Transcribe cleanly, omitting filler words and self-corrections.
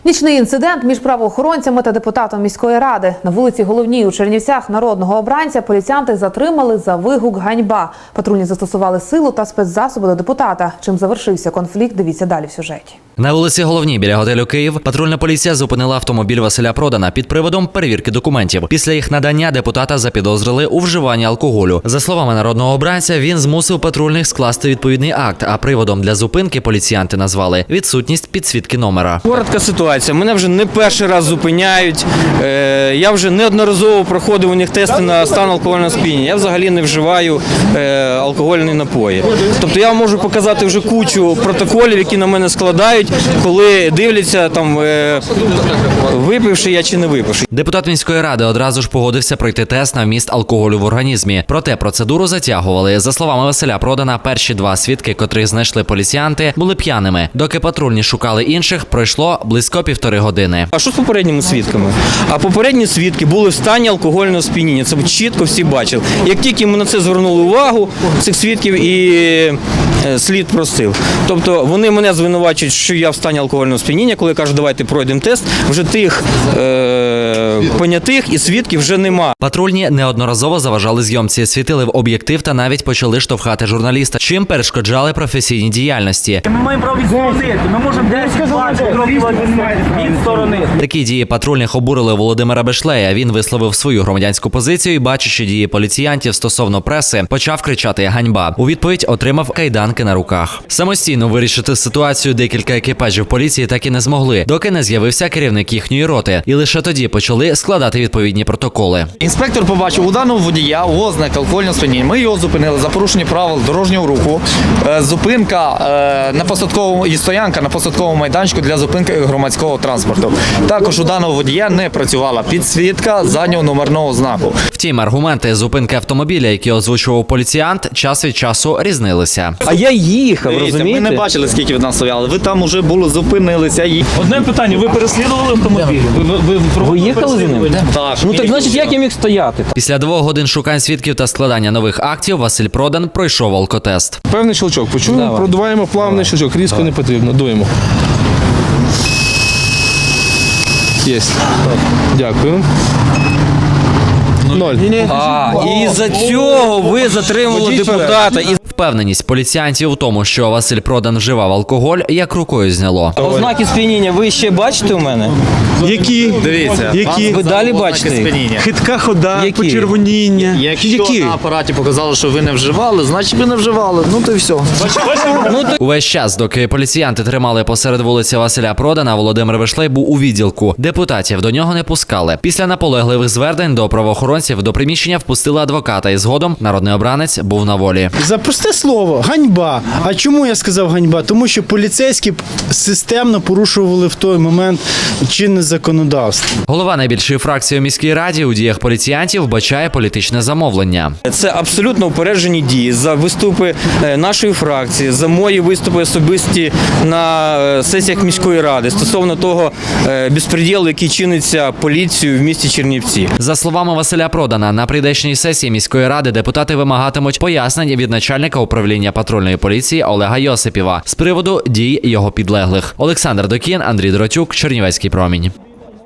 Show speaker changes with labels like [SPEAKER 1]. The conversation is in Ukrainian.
[SPEAKER 1] Нічний інцидент між правоохоронцями та депутатом міської ради. На вулиці Головній у Чернівцях народного обранця поліціянти затримали за вигук «Ганьба». Патрульні застосували силу та спецзасоби до депутата. Чим завершився конфлікт, дивіться далі в сюжеті.
[SPEAKER 2] На вулиці Головній біля готелю «Київ» патрульна поліція зупинила автомобіль Василя Продана під приводом перевірки документів. Після їх надання депутата запідозрили у вживанні алкоголю. За словами народного обранця, він змусив патрульних скласти відповідний акт, а приводом для зупинки поліціянти назвали відсутність підсвітки номера.
[SPEAKER 3] Коротка ситуація. Мене вже не перший раз зупиняють. Я вже неодноразово проходив у них тести на стан алкогольного сп'яніння. Я взагалі не вживаю алкогольні напої. Тобто я можу показати вже кучу протоколів, які на мене складають, коли дивляться, там, випивши я чи не випивши.
[SPEAKER 2] Депутат міської ради одразу ж погодився пройти тест на вміст алкоголю в організмі. Проте процедуру затягували. За словами Василя Продана, перші два свідки, котрих знайшли поліціянти, були п'яними. Доки патрульні шукали інших, пройшло близько 1,5 години.
[SPEAKER 3] А що з попередніми свідками? А попередні свідки були в стані алкогольного сп'яніння. Це чітко всі бачили. Як тільки ми на це звернули увагу, цих свідків, і слід простив. Тобто вони мене звинувачують, що я в стані алкогольного сп'яніння, коли кажуть, давайте пройдемо тест, вже тих понятих і свідків вже нема.
[SPEAKER 2] Патрульні неодноразово заважали зйомці, світили в об'єктив та навіть почали штовхати журналіста, чим перешкоджали професійній діяльності.
[SPEAKER 4] Ми маємо право відсторонити, ми можемо 10-20 кроків від сторони.
[SPEAKER 2] Такі дії патрульних обурили Володимира Бешлея. Він висловив свою громадянську позицію і, бачачи дії поліціянтів стосовно преси, почав кричати «Ганьба». У відповідь отримав кайданки на руках. Самостійно вирішити ситуацію декілька екіпажів поліції так і не змогли, доки не з'явився керівник їхньої роти. І лише тоді почали складати відповідні протоколи.
[SPEAKER 5] Інспектор побачив у даного водія ознак алкогольного сп'яніння. Ми його зупинили за порушення правил дорожнього руху. Зупинка на посадковому і стоянка на посадковому майданчику для зупинки громадського транспорту. Також у даного водія не працювала підсвітка заднього номерного знаку.
[SPEAKER 2] Втім, аргументи зупинки автомобіля, які озвучував поліціянт, час від часу різнилися.
[SPEAKER 6] А я їхав, розумієте?
[SPEAKER 5] Ми не бачили, скільки від нас стояли. Ви там уже були, зупинилися.
[SPEAKER 4] Одне питання, ви переслідували автомобіль?
[SPEAKER 6] Ви їхали за ним?
[SPEAKER 5] Так.
[SPEAKER 6] Ну так значить, як я міг стояти?
[SPEAKER 2] Після 2 годин шукань свідків та складання нових актів Василь Продан пройшов алкотест.
[SPEAKER 7] Певний щелчок. Почули? Продуваємо плавний щелчок. Різко не потрібно. Дуємо. Єсть. Дякую. 0.
[SPEAKER 3] І за цього ви затримали депутата.
[SPEAKER 2] Впевненість поліціянтів у тому, що Василь Продан вживав алкоголь, як рукою зняло.
[SPEAKER 3] Ознаки сп'яніння ви ще бачите у мене?
[SPEAKER 7] Які?
[SPEAKER 5] Дивіться.
[SPEAKER 7] Які?
[SPEAKER 3] Ви далі бачите їх?
[SPEAKER 7] Хитка хода,
[SPEAKER 6] Які?
[SPEAKER 7] почервоніння.
[SPEAKER 5] Якщо на апараті показали, що ви не вживали, значить ви не вживали. Ну то й все.
[SPEAKER 2] Увесь час, доки поліціянти тримали посеред вулиці Василя Продана, Володимир Бешлей був у відділку. Депутатів до нього не пускали. Після наполегливих звернень до правоохоронців до приміщення впустили адвоката, і згодом народний обранець був на волі.
[SPEAKER 8] За просте слово – ганьба. А чому я сказав ганьба? Тому що поліцейські системно порушували в той момент чинне законодавство.
[SPEAKER 2] Голова найбільшої фракції у міській раді у діях поліціянтів вбачає політичне замовлення.
[SPEAKER 3] Це абсолютно упереджені дії за виступи нашої фракції, за мої виступи особисті на сесіях міської ради стосовно того безпреділу, який чиниться поліцією в місті Чернівці.
[SPEAKER 2] За словами Василя Продана, на прийдешній сесії міської ради депутати вимагатимуть пояснень від начальника управління патрульної поліції Олега Йосипєва з приводу дій його підлеглих. Олександр Докін, Андрій Дротюк, Чернівецький промінь.